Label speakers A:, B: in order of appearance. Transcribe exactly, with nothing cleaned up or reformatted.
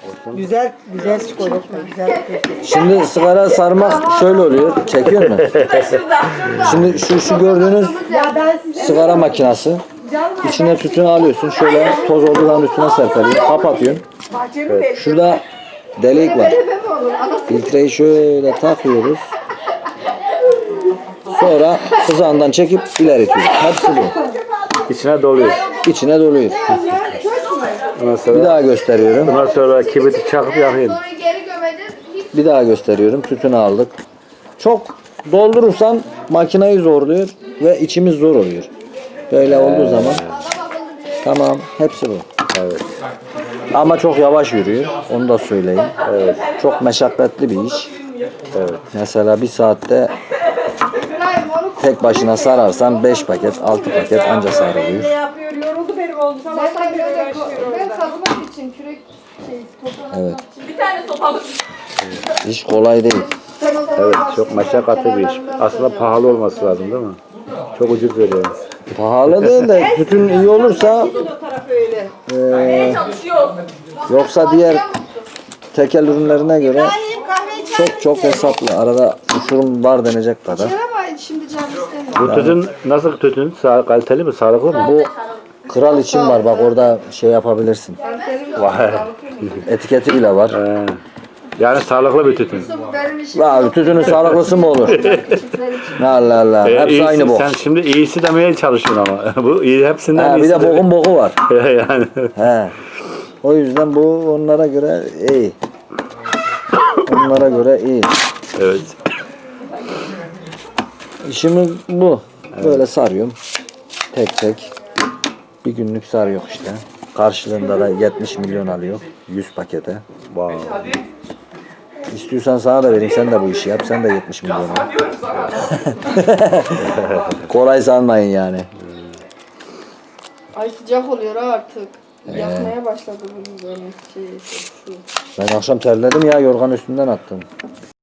A: Güzel, güzel çikolata, güzel.
B: Şimdi sigara sarmak şöyle oluyor. Çekiyor mu? Şimdi şu şu gördüğünüz sigara makinesi. İçine tütün alıyorsun. Şöyle toz olduğu zaman üstüne serpeliyorsun. Kapatıyorsun. Evet. Şurada delik var. Filtreyi şöyle takıyoruz. Sonra kızağından çekip ileri itiyoruz. Hepsi bu.
C: İçine doluyor.
B: İçine doluyor. Bir daha gösteriyorum.
C: Ondan sonra kibriti çakıp yakayım.
B: Bir daha gösteriyorum. Tütünü aldık. Çok doldurursan makineyi zorluyor ve içimiz zor oluyor. Böyle olduğu zaman tamam, hepsi bu.
C: Evet.
B: Ama çok yavaş yürüyor. Onu da söyleyeyim. Evet. Çok meşakkatli bir iş.
C: Evet.
B: Mesela bir saatte tek başına sararsan beş paket, altı paket anca sarılıyor.
A: Ne yapıyor? Yoruldu benim oğlum. Sabahtan beri uğraşıyor
D: Ben
A: orada.
D: kazmak için kürek şey toprağı
B: Evet.
D: bir tane sopalık.
B: İş kolay değil.
C: Evet, çok meşakkatli bir iş. Aslında pahalı olması lazım değil mi? Çok ucuz veriyoruz.
B: Pahalı değil de tütün iyi olursa
A: O taraf öyle.
B: eee,
D: Çalışıyor.
B: yoksa diğer tekel ürünlerine göre çok çok hesaplı. Arada uçurum var denecek kadar.
D: Ama şimdi can istemiyor.
C: Bu tütün nasıl tütün? Sağ, kaliteli mi? Sağlıklı mı?
B: Bu kral için var, bak orada şey yapabilirsin.
C: Vay.
B: Etiketi bile var.
C: Ee, yani sağlıklı bir tütün.
D: Benim işim
B: Abi tütünün sağlıklısı mı olur? Allah Allah.
C: Ee,
B: Hepsi
C: iyisi-
B: aynı bok.
C: Sen şimdi iyisi demeye çalışıyorsun ama. Bu iyi hepsinden
B: Ha, bir
C: iyisi.
B: de bokun boku var.
C: yani.
B: He. O yüzden bu onlara göre iyi. Onlara göre iyi.
C: Evet.
B: İşimiz bu. Böyle sarıyorum. Tek tek. Bir günlük sarıyor işte. Karşılığında da yetmiş milyon alıyor. yüz pakete.
C: Wow.
B: İstiyorsan sana da vereyim. Sen de bu işi yap. Sen de yetmiş milyon al. Kolay sanmayın yani.
D: Ay sıcak oluyor artık. Yakmaya başladı bunun böyle şey şu.
B: Ben akşam terledim ya, yorgan üstünden attım.